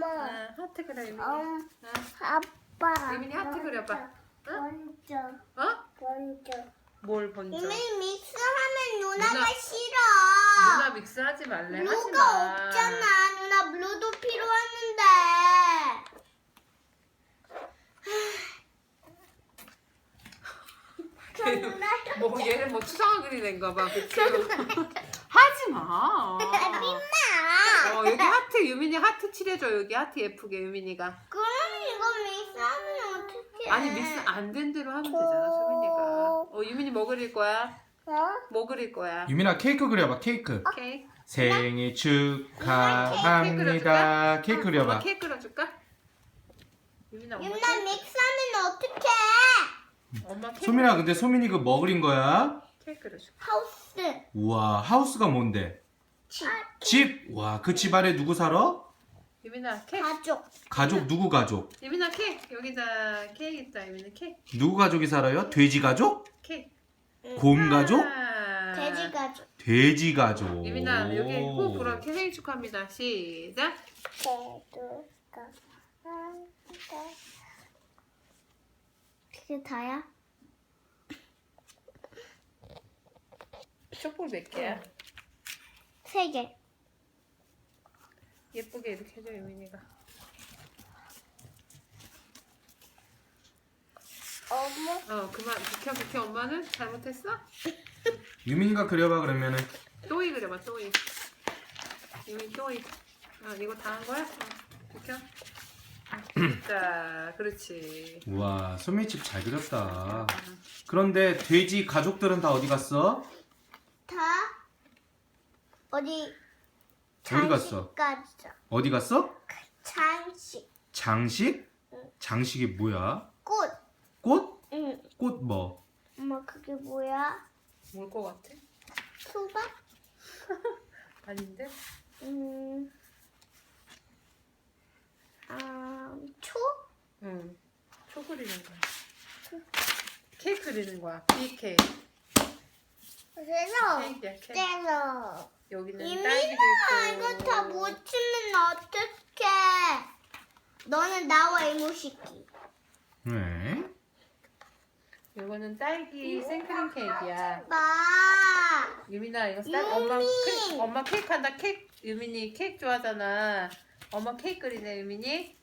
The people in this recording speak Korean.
하트 그려 유민이. 아빠. 유민이 하트 그려봐. 번져. 어? 번져. 뭘 번져? 유민이 믹스하면 누나가 누나- 싫어. 누나 믹스하지 말래. 하지 블루가 마. 없잖아. 누나 블루도 필요하는데. 누나 뭐 얘는 뭐 추상화 그리는가 봐. 그치? 하지 마. 민나. 여기 하트 유민이 하트 칠해줘. 여기 하트 예쁘게 유민이가. 그럼 이거 믹스하면 어떡해? 아니 믹스 안 된 대로 하면 되잖아 수민이가. 유민이 뭐 그릴 거야? 뭐 그릴 거야? 유민아 케이크 그려봐. 케이크. 케이크. 생일 축하합니다. 케이크 엄마 그려봐. 케이크 그려줄까? 유민아 엄마 유민아 믹스하면 어떡해? 엄마 케이크. 소민아 근데 소민이 그 뭐 그린 거야? 케이크 그려줄까? 하우스. 우와 하우스가 뭔데? 집. 와 그 집 안에 누구 살아? 유민아 케이크. 가족. 가족 누구 가족? 유민아 케이크. 여기다 케이크 있다 유민이 케이크. 누구 가족이 살아요? 돼지 가족? 케이크. 곰 가족? 돼지 가족. 돼지 가족. 유민아 여기 호 불어 생일 축하합니다. 시작. 그게 다야? 촛불 몇 개야? 3개. 예쁘게 이렇게 해줘 유민이가. 어머. 그만 비켜 엄마는 잘못했어? 유민이가 그려봐 그러면은. 또이 그려봐 또이. 유민 또이. 이거 다 한 거야? 비켜. 자 그렇지. 우와 소민이 집 잘 그렸다. 그런데 돼지 가족들은 다 어디 갔어? 다 어디 어디 갔어? 갔어. 어디 갔어? 장식. 장식? 장식이 뭐야? 꽃. 꽃? 응. 꽃 뭐? 엄마 그게 뭐야? 뭘 것 같아? 수박? 아닌데? 초? 응. 초 그리는 거야. 케이크 그리는 거야. 비케이크. 그래서 케이크야 케이크. 때려. 여기는 이민아 딸기도 이거 있고. 다 못 치면 어떡해? 너는 나와 이모시키. 왜? 이거는 딸기 생크림 케이크야. 봐. 유민아 이거 유민! 엄마 케이크 한다. 케이크 유민이 케이크 좋아하잖아. 엄마 케이크 그리네 유민이.